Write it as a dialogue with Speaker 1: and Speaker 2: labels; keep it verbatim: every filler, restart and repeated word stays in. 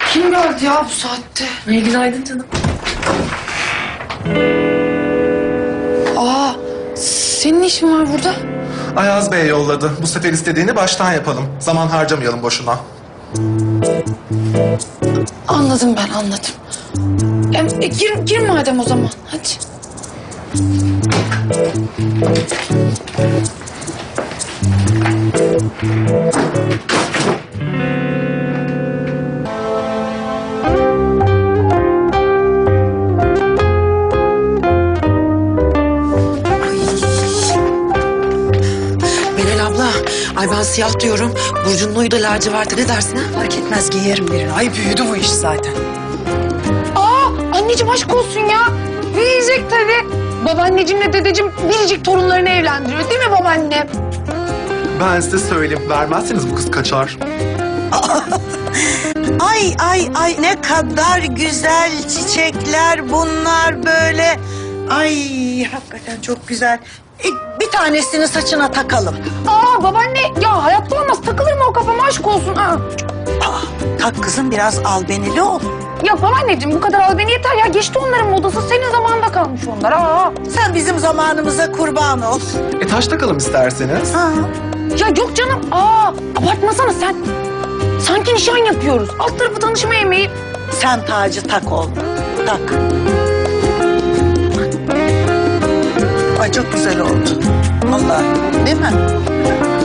Speaker 1: Kim geldi ya bu saatte?
Speaker 2: İyi günaydın canım.
Speaker 1: Aa, senin işin var burada.
Speaker 3: Ayaz Bey yolladı. Bu sefer istediğini baştan yapalım. Zaman harcamayalım boşuna.
Speaker 1: Anladım ben, anladım. E, e, gir, gir madem o zaman, hadi.
Speaker 4: Meral abla, ay ben siyah diyorum. Burcu'nun uyu da laciverti, ne dersin ha?
Speaker 5: Fark etmez, giyerim birini. Ay büyüdü bu iş zaten.
Speaker 1: Aa, anneciğim aşk olsun ya. Verecek tabii. Babaanneciğimle dedeciğim biricik torunlarını evlendiriyor değil mi babaanne?
Speaker 3: Ben size söyleyeyim. Vermezseniz bu kız kaçar.
Speaker 5: Ay ay ay ne kadar güzel çiçekler bunlar böyle. Ay hakikaten çok güzel. E, bir tanesini saçına takalım.
Speaker 1: Aa babaanne ya hayatta olmaz, takılır mı o kafama, aşk olsun. Aa.
Speaker 5: Aa, tak kızım, biraz albenili ol.
Speaker 1: Ya babaanneciğim bu kadar al beni yeter ya, geçti onların modası, senin zamanında kalmış onlar. Aa.
Speaker 5: Sen bizim zamanımıza kurban ol.
Speaker 3: E taş takalım isterseniz.
Speaker 5: Ha.
Speaker 1: Ya yok canım, aa abartmasana sen. Sanki nişan yapıyoruz. Alt tarafı tanışma yemeği.
Speaker 5: Sen tacı tak oğlum. Tak. Ay çok güzel oldu. Allah, değil mi?